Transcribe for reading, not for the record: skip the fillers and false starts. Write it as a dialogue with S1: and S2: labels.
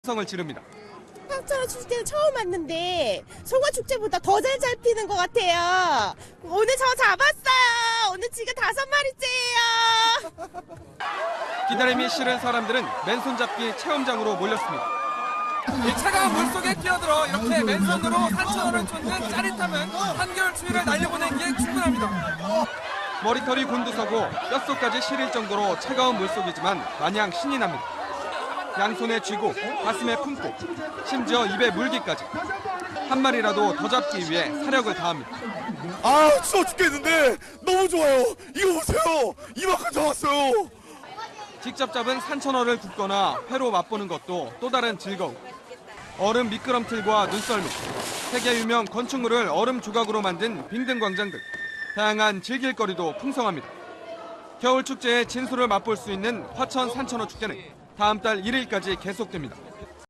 S1: 성을 지릅니다.
S2: 산천어 축제는 처음 왔는데 송어 축제보다 더 잘 잡히는 것 같아요. 오늘 저 잡았어요. 오늘 지금 5마리째예요.
S1: 기다림이 싫은 사람들은 맨손잡기 체험장으로 몰렸습니다.
S3: 이 차가운 물속에 뛰어들어 이렇게 맨손으로 산천어를 쫓는 짜릿함은 한겨울 추위를 날려보내기에 충분합니다.
S1: 머리털이 곤두서고 뼛속까지 시릴 정도로 차가운 물속이지만 마냥 신이 납니다. 양손에 쥐고 가슴에 품고 심지어 입에 물기까지 한 마리라도 더 잡기 위해 사력을 다합니다.
S4: 아, 추워 죽겠는데 너무 좋아요. 이거 보세요. 이만큼 잡았어요.
S1: 직접 잡은 산천어를 굽거나 회로 맛보는 것도 또 다른 즐거움. 얼음 미끄럼틀과 눈썰미, 세계 유명 건축물을 얼음 조각으로 만든 빙등 광장 등 다양한 즐길거리도 풍성합니다. 겨울 축제의 진수를 맛볼 수 있는 화천 산천어 축제는 다음 달 1일까지 계속됩니다.